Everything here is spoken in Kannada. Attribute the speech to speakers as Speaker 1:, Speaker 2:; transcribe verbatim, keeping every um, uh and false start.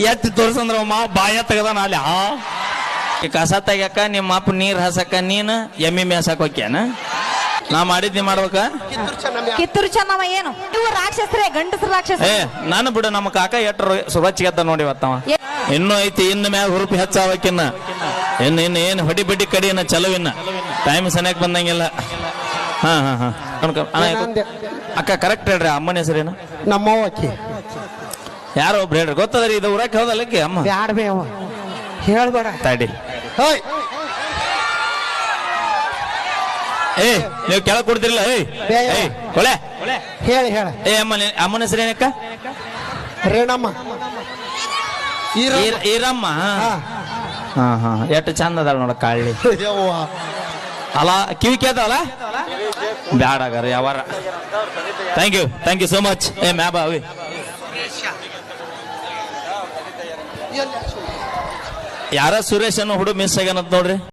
Speaker 1: ಎತ್ತಿ ತೋರ್ಸಂದ್ರ ಮಾವ ಬಾಯ ತೆಗದಾನ ಅಲ್ಲಿ ಆ ಕಸ ತೆಗ್ಯಾಕ ನಿಮ್ಮ ಅಪ್ಪ ನೀರ್ ಹಸಕ ನೀನ್ ಎಮ್ಮಿ ಮೇಸಕ್ ಹೋಗ್ಯಾನ ನಾ ಮಾಡಿದ್ನಿ ಮಾಡ್ಬೇಕ
Speaker 2: ಕಿತ್ತೂರು ಚೆನ್ನಮ್ಮ ಏನು ಇವು ರಾಕ್ಷಸರೇ ಗಂಡಸರ ರಾಕ್ಷಸ
Speaker 1: ಏ ನಾನು ಬಿಡು ನಮ್ಮ ಕಾಕ ಎಟ್ರು ಸುರಚ್ಗೆದ್ದ ನೋಡಿ ಇವತ್ತವ ಇನ್ನು ಐತಿ ಇನ್ನು ಮ್ಯಾಗ ಹುರುಪಿ ಹೆಚ್ಚಾವಕ್ಕಿನ್ನ ಇನ್ನು ಇನ್ನು ಏನು ಹೊಡಿ ಬಡ್ಡಿ ಕಡಿಯನ್ನ ಚಲವಿನ್ನ ಟೈಮ್ ಸನಿಯಾಕ್ ಬಂದಂಗಿಲ್ಲ ಹಾ ಹಾ ಹಾ ಅಕ್ಕ ಕರೆಕ್ಟ್ ಹೇಳ್ರಿ ಅಮ್ಮನ ಹೆಸರೇನು
Speaker 3: ನಮ್ಮವ್ವ ಅಕ್ಕಿ
Speaker 1: ಯಾರೋ ಒಬ್ರು ಹೇಳ್ರಿ ಗೊತ್ತದ್ರಿ ಇದು ಊರಕ್ಕೆ ಹೌದಲ್ಲಕ್ಕೆ ಅಮ್ಮ
Speaker 3: ಬ್ಯಾಡ ಬೇ ಅವ ಹೇಳ್ಬೇಡ
Speaker 1: ತಡಿ
Speaker 3: ಹೋಯ್
Speaker 1: ಏ ನೀವು ಕೆಳಗ್ ಕೊಡ್ತಿರಲ್ಲ ಏಯ್ ಏಯ್ ಕೊಳೆ
Speaker 3: ಹೇಳಿ ಹೇಳ
Speaker 1: ಏ ಅಮ್ಮನ ಅಮ್ಮನ ಹೆಸರೇನಕ್ಕ
Speaker 3: ರೇಣಮ್ಮ
Speaker 1: ಈರ- ಈರಮ್ಮ ಹಾ ಹಾ ಎಷ್ಟು ಚಂದ ಅದಾಳ ನೋಡ ಕಾಳಿ ಅಲ್ಲ ಕಿವಿ ಕೇಳ್ತಾವಲ್ಲ ಬ್ಯಾಡಾಗಾರ ಯಾವಾರ thank you thank you so much ಏ ಮ್ಯಾ ಬಾವಿ ಯಾರ ಸುರೇಶ್ ಅನ್ನೋ ಹುಡುಗ ಮಿಸ್ ಆಗ್ಯಾನಂತ ನೋಡ್ರಿ